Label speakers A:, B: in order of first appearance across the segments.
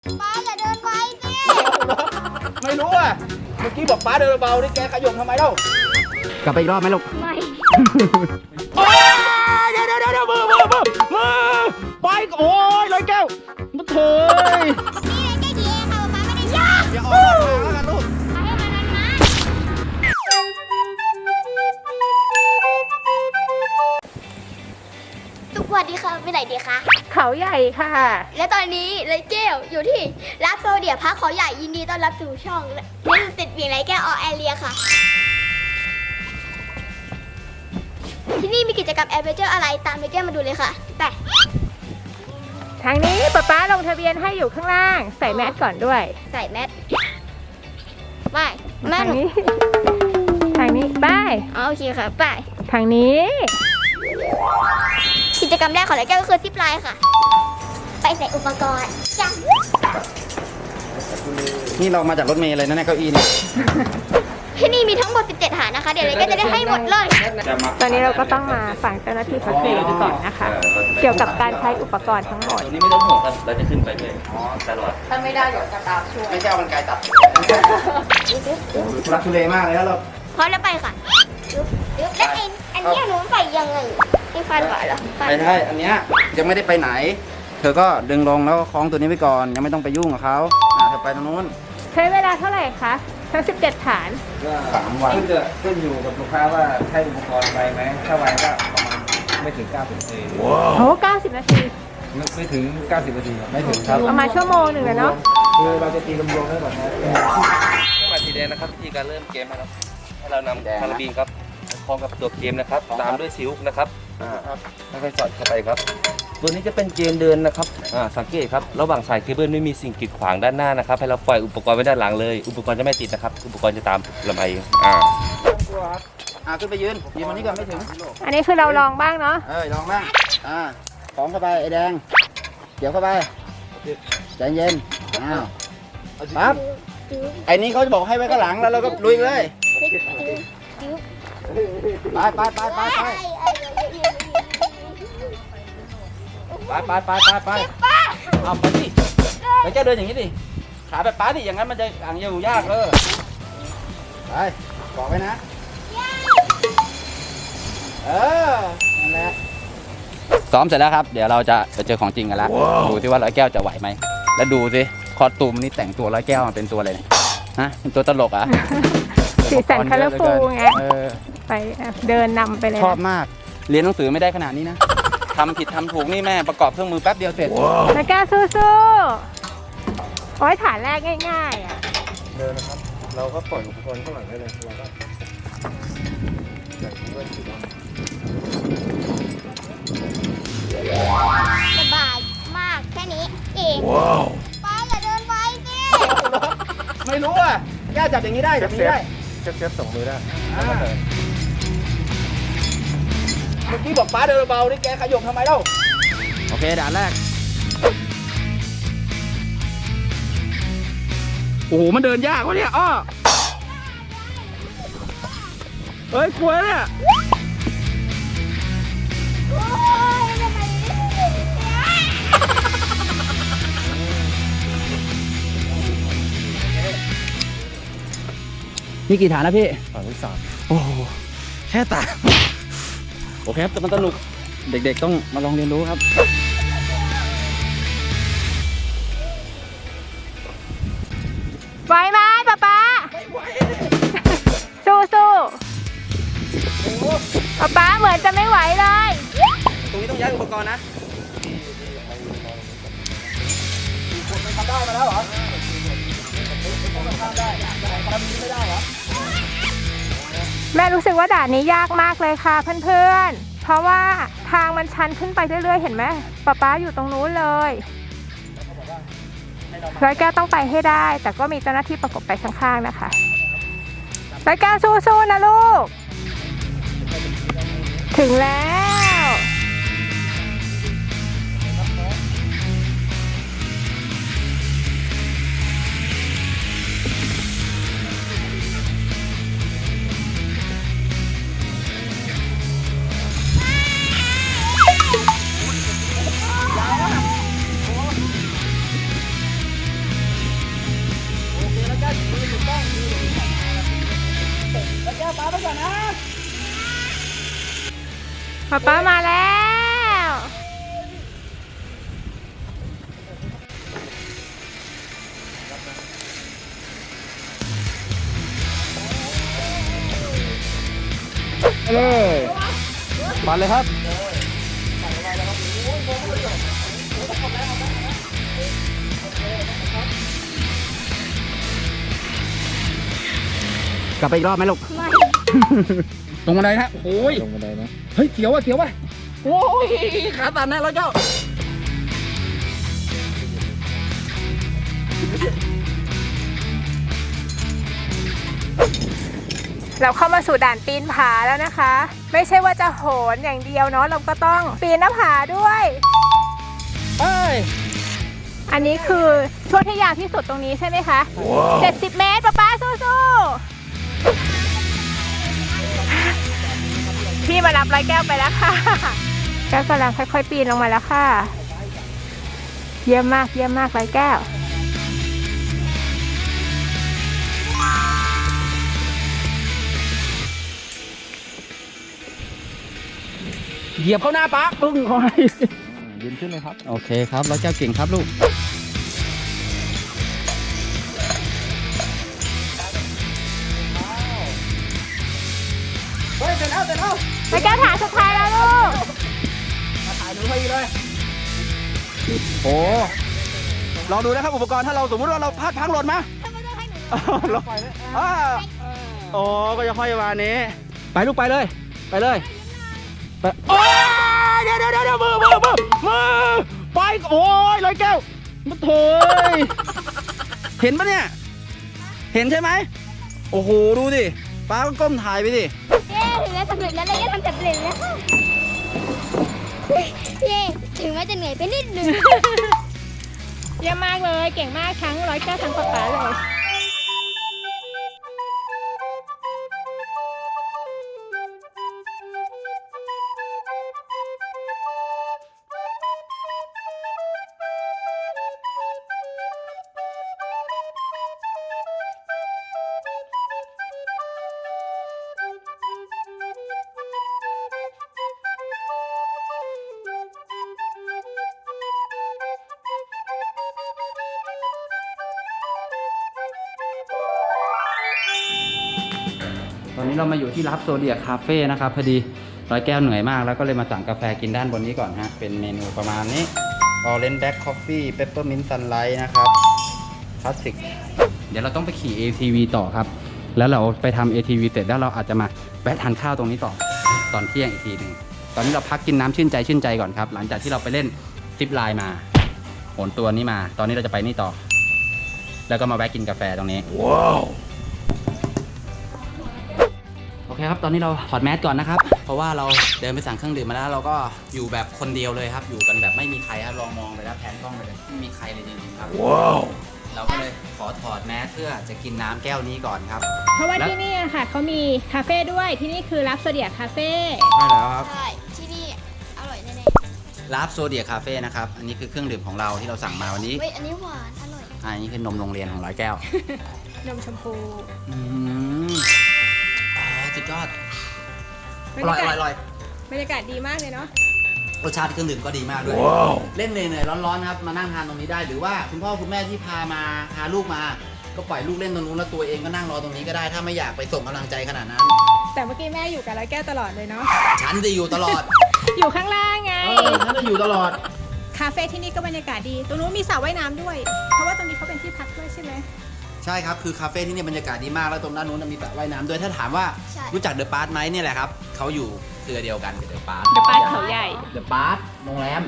A: ป้าอย่าเดินไวสิ
B: ไม่รู้อ่ะเมื่อกี้บอกป้าเดินเบาๆนี่แกขยมทำไมเล่ากลับไปอีกรอบไหมลูก
A: ไม่
B: โอ้ยเดี๋ยวมือไปโอ้ยร้อยแก้วมันเถย
A: นี่ไงแค่ดีเองค่ะป้าไม่ได้ยาก
B: อย่าออกทางแล้วกันลูก
A: ให้มันมาสวัสดีค่ะไปไหนดีคะ
C: เขาใหญ่ค่ะ
A: และตอนนี้เลยเกลอยู่ที่รับโซเดียพักเขาใหญ่ยินดีต้อนรับสู่ช่องนี่ติดเวียงไรแก้วออแอเรียค่ะ ที่นี่มีกิจกรรมแอดเวนเจอร์อะไรตามเลยแก้วมาดูเลยค่ะไป
C: ทางนี้ป๊าลงทะเบียนให้อยู่ข้างล่าง ใส่แมสก่อนด้วย
A: ใส่แมสไปแม่
C: ทางนี้ ทางนี้ไป
A: โอเคค่ะไป
C: ทางนี้
A: กิจกรรมแรกของเลยแก้วก็คือซิปไลน์ค่ะ ไปใส่อุปกรณ์จ้ะ
B: นี่เรามาจากรถเมล์เลยนะเนี่ยเก้าอี้เนี่ย
A: ที่นี่มีทั้งหมด 17 หานะคะ เดี๋ยวเลยก็จะได้ให้หมดเลย
C: ตอนนี้เราก็ต้องมาฟังเจ้าหน้าที่เขาเทรนก่อนนะคะ เกี่ยวกับการใช้อุปกรณ์ทั้งหมด
D: ตัวนี้ไม่ต้องห่วงครับ เราจะขึ้นไปด้วยตลอด
B: ไม่ใช่เอามันไกลตัดทุลักทุเลมากเลยแล้วเรา
A: พร้อมแล้วไปค่ะแล้วอันนี้หนูใส่ยังไงไม่ฟันหวานเหรอฟัน
B: ไม่ใช่อันเนี้ยยังไม่ได้ไปไหน เธอก็ดึงลงแล้วก็คล้องตัวนี้ไว้ก่อนยังไม่ต้องไปยุ่งกับเขาเธอไปตรงนู้น
C: ใช้เวลาเท่าไหร่คะ ทั้ง 17 ฐาน
B: 3 วัน
E: ขึ้นอยู่กับลูกค้าว่าใช้อุปกรณ์ไวไหมถ้าไวก็ประมาณไม่ถึง 90 นาที
C: โห 90 นาที
E: ไม่ถึง 90 นาทีไม่ถึงครับ
C: ประมาณชั่วโมงหนึ่งเลยเนาะ
E: คือเราจะตีรวมๆได้ก่อนนะ
D: มาสีแดงนะครับวิธีการเริ่มเกมนะครับ ให้เรานำคาราบีนครับคล้องกับตัวเกมนะครับ ตามด้วยซิลค์นะครับค่อยๆสอดเข้าไปครับ ตัวนี้จะเป็นเกมเดินนะครับสังเกตครับ ระหว่างสายเคเบิลไม่มีสิ่งกีดขวางด้านหน้านะครับ ให้เราปล่อยอุปกรณ์ไว้ด้านหลังเลย อุปกรณ์จะไม่ติดนะครับ อุปกรณ์จะตามลำไปเอง
B: ขึ้นไปยืนวันนี้ก่อนไม่ถึง
C: อันนี้คือเราลองบ้างเนาะ
B: ลองบ้างคล้องเข้าไปไอ้แดงเกี่ยวเข้าไปใจเย็นปั๊บไอ้นี้เขาจะบอกให้ไว้ข้างหลังแล้วเราก็ลุยเลยไปเอาไปดิแล้วแกเดินอย่างนี้ดิขาแบบป้าดิอย่างนั้นมันจะอยู่ยากไปบอกไว้นะนั่นแหละซ้อมเสร็จแล้วครับเดี๋ยวเราจะไปเจอของจริงกันแล้วดูที่ว่าร้อยแก้วจะไหวไหมแล้วดูสิคอตูมนี่แต่งตัวร้อยแก้วมาเป็นตัวอะไรเนี่ยฮะเป็นตัวตลกอ่ะ
C: สีสันคัลเลอร์ฟูลไง ไปเดินนำไปเลย
B: ชอบมากเรียนหนังสือไม่ได้ขนาดนี้นะทำผิดทำถูกนี่แม่ประกอบเครื่องมือแป๊บเดียวเสร็จ
C: แล้วแก้วสู้ๆโอ้ยฐานแรกง่ายๆอ่ะ
E: เดินนะครับ เราก็ปล่อยอุปกรณ์ข้างหลังได้เลยเราก็ด้วยสีดำ
A: สบายมากแค่นี้เองป้าอย่าเดินไวสิ
B: ไม่รู้อ่ะแก้วจับอย่างนี้ได้จับอย่างนี้ได้
E: เซฟส่งมือได้
B: เมื่อกี้บอกป้าเดินเบาๆนี่แกขยมทำไมเล่าโอเคด่านแรกโอ้โหมันเดินยากวะเนี่ยเฮ้ยกลัวเนี่ย
A: โอ้ยทำไม
B: นี่กี่ฐานนะพี่
E: ฐานที่ 3
B: โอ้โหแค่ตาโอเคครับแต่มันสนุกเด็กๆต้องมาลองเรียนรู้ครับ
C: ไหวไหมป๊าสู้ป๊าเหมือนจะไม่ไหวเลย
B: ตรงนี้ต้องย้ายอุปกรณ์นะทำได้มาแล้วเหรอ
C: แม่รู้สึกว่าด่านนี้ยากมากเลยค่ะเพื่อนๆ เพราะว่าทางมันชันขึ้นไปเรื่อยๆ เห็นไหมป๊าอยู่ตรงนู้นเลยร้อยแก้วต้องไปให้ได้ แต่ก็มีเจ้าหน้าที่ประกบไปข้างๆนะคะร้อยแก้วสู้ๆนะลูก ถึงแล้ว
B: ป้าไปก่อนนะ
C: ป๊ามาแล้ว
B: เลยปั่นเลยครับกลับไปอีกรอบไหมลูก
A: ไม่
B: ตรงบันไดฮะโอ้ย
E: ลงบันไดนะ
B: เฮ้ยเสียวว่ะเสียวว่ะโอ้ยขาตันแน่แล้วเจ้า
C: เราเข้ามาสู่ด่านปีนผาแล้วนะคะ ไม่ใช่ว่าจะโหนอย่างเดียวเนาะเราก็ต้องปีนหน้าผาด้วย
B: เอ้ย
C: อันนี้คือช่วงที่ยาวที่สุดตรงนี้ใช่ไหมคะ 70 เมตรป๊าสู้ๆพี่มารับร้อยแก้วไปแล้วค่ะแก้วกำลังค่อยๆปีนลงมาแล้วค่ะ เยี่ยมมากร้อยแก้ว
B: เหยียบเข้าหน้าป้าปึ้งคอยยืนขึ้นเลยครับโอเคครับร้อยแก้วเก่งครับลูกเฮ้ยเสร็จแล้ว
C: ร้อยแก้วฐานสุดท้ายแล้วลูก
B: มาถ่ายหนูพอดีเลยโอ้ลองดูนะครับอุปกรณ์ถ้าเราสมมติว่าเราพลาดพังหล่นมา
A: ทำไมต้องให้หนู
B: โอ้ก็จะค่อยมานี้ไปลูกไปเลยไปโอ้ยเดี๋ยวมือไปโอ้ยร้อยแก้วมาโถยเห็นปะเนี่ยเห็นใช่ไหมโอ้โหดูดิป้าก็ก้มถ่ายไปดิ
A: เย้ถึงแล้วสำเร็จแล้วเลยทำสำเร็จแล้วเย้ถึงแม้จะเหนื่อยไปนิดนึง
C: เยี่ยมมากเลยเก่งมากทั้งร้อยแก้วทั้งป๊าเลย
B: ตอนนี้เรามาอยู่ที่รับโซเดียคาเฟ่นะครับพอดีร้อยแก้วเหนื่อยมากแล้วก็เลยมาสั่งกาแฟกินด้านบนนี้ก่อนฮะเป็นเมนูประมาณนี้ Orange Black Coffee Peppermint Sunlight นะครับคลาสสิกเดี๋ยวเราต้องไปขี่ ATV ต่อครับแล้วเราไปทำ ATV เสร็จแล้วเราอาจจะมาแวะทานข้าวตรงนี้ต่อตอนเที่ยงอีกทีหนึ่งตอนนี้เราพักกินน้ำชื่นใจก่อนครับหลังจากที่เราไปเล่นซิปไลน์มาโหนตัวนี้มาตอนนี้เราจะไปนี่ต่อแล้วก็มาแวะกินกาแฟตรงนี้ว้าวโอเคครับตอนนี้เราถอดแมสก่อนนะครับเพราะว่าเราเดินไปสั่งเครื่องดื่มมาแล้วเราก็อยู่แบบคนเดียวเลยครับอยู่กันแบบไม่มีใครครับลองมองไปแล้วแผนกล้องไปเลยไม่มีใครเลยจริงๆครับว้าวเราก็เลยขอถอดแมสเพื่อจะกินน้ำแก้วนี้ก่อนครับ
C: เพราะว่า
B: แล้ว
C: ที่นี่อะค่ะเขามีคาเฟ่ด้วยที่นี่คือรับโซเดียคาเฟ่
B: ใช่แล้วครับ
A: ใช่ที่นี่อร่อยแน่
B: ลาฟโซเดียคาเฟ่นะครับอันนี้คือเครื่องดื่มของเราที่เราสั่งมาวันนี้
A: ๆเฮ้ยอันนี้หวานอร่อย
B: อันนี้คือนมโรงเรียนของร้อยแก้วน
C: มชมพู
B: อืมอ๋อสุดยอด
C: บ
B: อ
C: รร
B: ร่อย
C: ยากาศ
B: อร่อย
C: บรรยากาศดีมากเลยเนาะ
B: รสชาติเครื่องดื่มก็ดีมากด้วยเล่นเหนื่อยๆร้อนๆครับมานั่งทานตรงนี้ได้หรือว่าคุณพ่อคุณแม่ที่พาลูกมาก็ปล่อยลูกเล่นตรงนู้นแล้วตัวเองก็นั่งรอตรงนี้ก็ได้ถ้าไม่อยากไปส่งกำลังใจขนาดนั้น
C: แต่เมื่อกี้แม่อยู่กับร้อยแก้วตลอดเลยเนาะ
B: ฉันจะอยู่ตลอด
C: อยู่ข้างล่างไง
B: ฉันจะอยู่ตลอด
C: คาเฟ่ที่นี่ก็บรรยากาศดี ตรงนู้นมีสระว่ายน้ำด้วย เพราะว่าตรงนี้เขาเป็นที่พักด้วยใช่ไหม
B: ใช่ครับคือคาเฟ่ที่นี่บรรยากาศดีมากแล้วตรงด้านนู้นมีสระว่ายน้ำด้วยถ้าถามว่า
A: ใช่
B: รู้จักเดอะพาร์ทไหมเนี่ยแหละครับเขาอยู่เครือเดียวกันกับเดอะพาร์ท
C: เดอะปาร์คเขาใหญ่
B: เดอะพาร์ทโรงแรม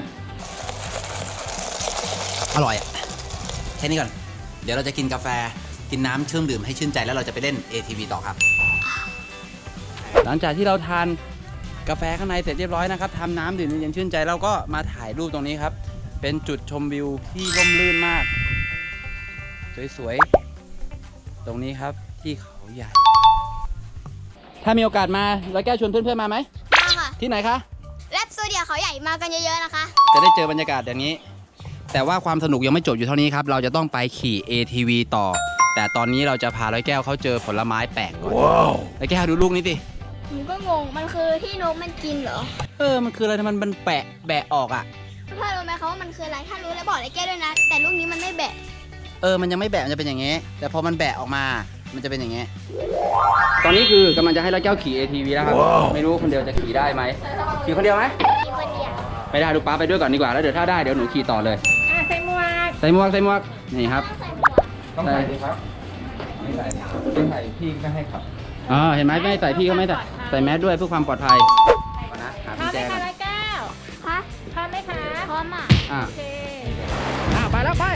B: อร่อยอะแค่นี้ก่อนเดี๋ยวเราจะกินกาแฟกินน้ำเครื่องดื่มให้ชื่นใจแล้วเราจะไปเล่น ATV ต่อครับ หลังจากที่เราทานกาแฟข้างในเสร็จเรียบร้อยนะครับทำน้ำดื่มเย็นชื่นใจแล้วก็มาถ่ายรูปตรงนี้ครับ เป็นจุดชมวิวที่ร่มรื่นมาก สวยๆตรงนี้ครับที่เขาใหญ่ ถ้ามีโอกาสมาร้อยแก้วชวนเพื่อนๆมาไหม
A: มาค่ะ
B: ที่ไหนคะ
A: แรปโซเดียเขาใหญ่มากันเยอะๆนะคะ
B: จะได้เจอบรรยากาศอย่างนี้ แต่ว่าความสนุกยังไม่จบอยู่เท่านี้ครับเราจะต้องไปขี่ ATV ต่อแต่ตอนนี้เราจะพาร้อยแก้วเขาเจอผลไม้แปลกก่อนร้อยแก้วดูลูกนี้สิ
A: หนูก็งง มันคือที่นกมันกินเหรอ
B: มันคืออะไรมันแบะออกอ่ะ
A: พ่อรู้ไหมคะว่ามันคืออะไร ถ้ารู้แล้วบอกเลยแก้ด้วยนะ แต่ลูกนี้มันไม่แบะ
B: มันยังไม่แบะมันจะเป็นอย่างงี้ แต่พอมันแบะออกมา มันจะเป็นอย่างงี้ ตอนนี้คือกำลังจะให้ร้อยแก้วขี่ ATV แล้วครับ ไม่รู้คนเดียวจะขี่ได้ไหมขี่คนเดียวไหม
A: มีคนเดียว
B: ไม่ได้ดูป้าไปด้วยก่อนดีกว่า แล้วเดี๋ยวถ้าได้เดี๋ยวหนูขี่ต่อเลย
C: ใส่หมวก
B: ใส่หมวก นี่ครับ
E: ต้องใส่ดิครับไม่ใส่ไม่ใส่พี่ไม่ให้ขับ
B: เห็นไหมไม่ใส่พี่ก็ไม่ใส่แมสด้วยเพื่อความปลอดภัยก่อนนะหา
C: พร้อ
B: พี่
C: มไหม
B: แจ
C: คะ
B: ก่อน
C: ร้อยแก้ว
A: ฮะ
C: พร้อมไหมคะ
A: พร้อมอ่ะ
B: อ่ะ
C: โอเค
B: ไปแล้วไป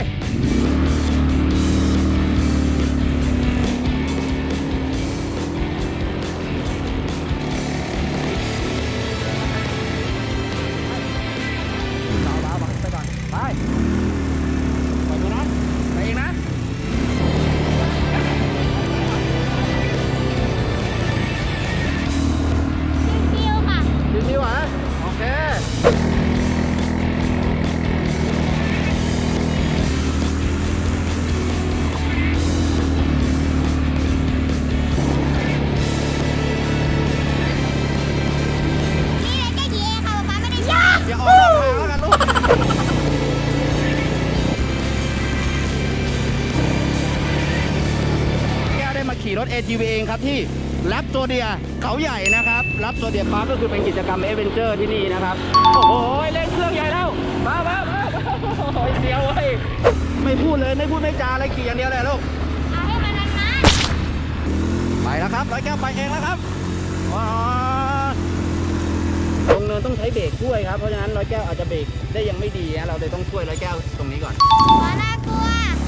B: ไปก่อน ไปปล่อยตัวน้องไปเองนะ
A: ฟิวค่ะ
B: ชิวๆเหรอโอเค
A: นี่เลยแก้กี่เองค่ะป๊าไม่ได้ชอบ
B: อย่าออกนอกทางแล้วกันลูก แก้วได้มาขี่รถ ATV เองครับที่รับโซเดียเขาใหญ่นะครับรับโซเดียพาร์คก็คือเป็นกิจกรรมเอเวนเจอร์ที่นี่นะครับ โอ้โหเล่นเครื่องใหญ่แล้วมาโอ้ยเดียวเว้ยไม่พูดเลยไม่พูดไม่จาอะไรขี่อย่างเดียวเลยลูก
A: เอาให้มันนาน
B: ไปแล้วครับร้อยแก้วไปเองแล้วครับลงเนินต้องใช้เบรกช่วยครับเพราะฉะนั้นร้อยแก้วอาจจะเบรกได้ยังไม่ดีนะเราเลยต้องช่วยร้อยแก้วตรงนี้ก่อน
A: ๆหัวน่ากลัว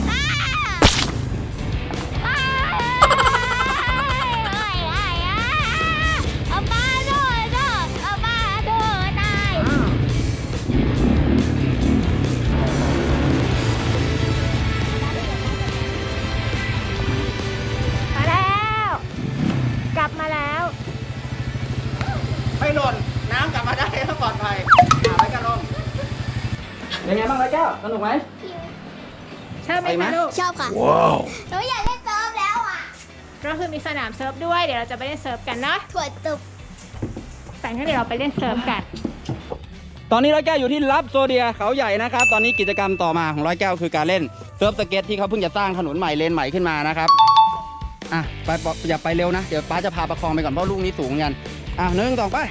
A: เอาป้าโดดเอาป้าโดดตาย
C: มาแล้ว กลับมาแล้ว
B: ไม่หล่นน้ำกลับมาได้แล้วปลอดภัยร้อยแก้วลงเป็นไงบ้างร้อยแก้วสนุกไหม
C: ชอบไหม
B: ไปไหม
C: คะลูก
A: ชอบค่ะหนูอยากเล่นเซิร์ฟแล้วอ่ะ
C: ก็คือมีสนามเซิร์ฟด้วย เดี๋ยวเราจะไปเล่นเซิร์ฟกันเนาะ
A: ถั่วตุบ
C: แต่งั้นเดี๋ยวเราไปเล่นเซิร์ฟกัน
B: ตอนนี้ร้อยแก้วอยู่ที่รับโซเดียเขาใหญ่นะครับตอนนี้กิจกรรมต่อมาของร้อยแก้วคือการเล่นเซิร์ฟสเก็ตที่เขาเพิ่งจะสร้างถนนใหม่เลนใหม่ขึ้นมานะครับไปอย่าไปเร็วนะเดี๋ยวป้าจะพาประคองไปก่อนเพราะลูกนี้สูงกัน1 2ไป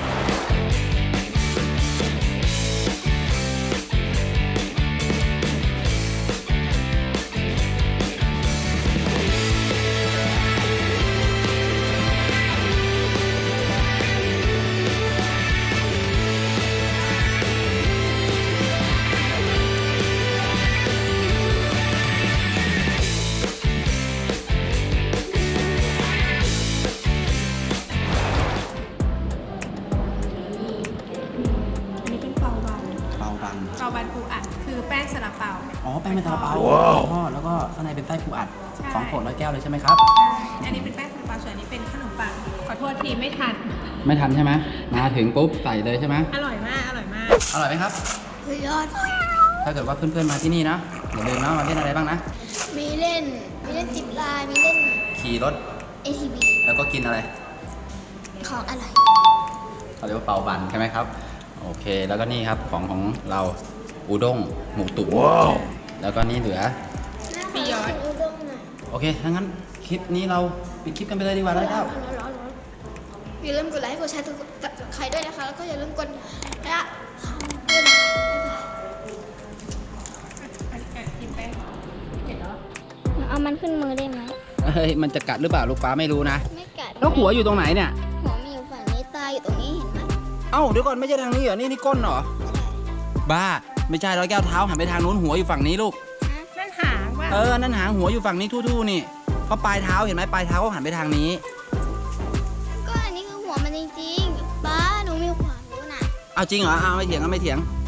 C: อันนี้เป็นเปาบัน
B: เปาบัน
C: เปาบันปูอัดคือแป้งซาลาเปา
B: แป้งเป็นซาลาเปาทอดแล้วก็ข้างในเป็นไส้ปูอัด
C: ใช่
B: ของโปรดร้อยแก้วเลยใช่ไหมครับ
C: อันนี้เป็นแป้งซาลาเปาส่วนอันนี้เป็นขนมปัง ขอโทษทีไม่ทัน
B: ไม่ทันใช่ไหมมาถึงปุ๊บใส่เลยใช่ไหม
C: อร่อยมาก อร่อยมาก
B: อร่อยไหมครับ
A: สุดยอด
B: ถ้าเกิดว่าเพื่อนๆมาที่นี่นะอย่าลืมนะมาเล่นอะไรบ้างนะ
A: มีเล่นจิบลาย มีเล่น
B: ขี่รถ
A: ATV
B: แล้วก็กินอะไร
A: ของอร่อย
B: เขาเรียกว่าเปาบันใช่ไหมครับโอเคแล้วก็นี่ครับของเราอูด้งหมูตุ๋นแล้วก็นี่เหลือ
C: ปียอด
A: อุด้งหน่อย
B: โอเคถ้างั้นคลิปนี้เราปิดคลิปกันไปเลยดีกว่าแล้วครับ
A: ร้อนอย่าลืมกดไลค์กดแชร์ใครด้วยนะคะ แล้วก็อย่าลืมกดและคำด้วยนะบ๊ายบาย
C: กินแป้งเห็นเหรอ
A: เอามันขึ้นมือได้ไหม
B: เฮ้ยมันจะกัดหรือเปล่าลูกฟ้าไม่รู้นะ
A: ไม่กัด
B: แล้วหัวอยู่ตรงไหนเนี่ย
A: หัวมีอยู่ฝั่งนี้ตาอยู่ตรงนี้เห็นไหม
B: เอ้าเดี๋ยวก่อนไม่ใช่ทางนี้เหรอนี่ก้นเหรอบ้าไม่ใช่ร้อยแก้วเท้าหันไปทางนู้นหัวอยู่ฝั่งนี้ลูก
C: นั่นหางว่า
B: นั่นหางหัวอยู่ฝั่งนี้ทู่ๆนี่เพราะปลายเท้าเห็นไหมปลายเท้าก็หันไปทางนี้
A: ก็อันนี้คือหัวมันจริงๆป้าหนูมีความรู้นะ
B: เอาจริงเหรอเอาไม่เถียง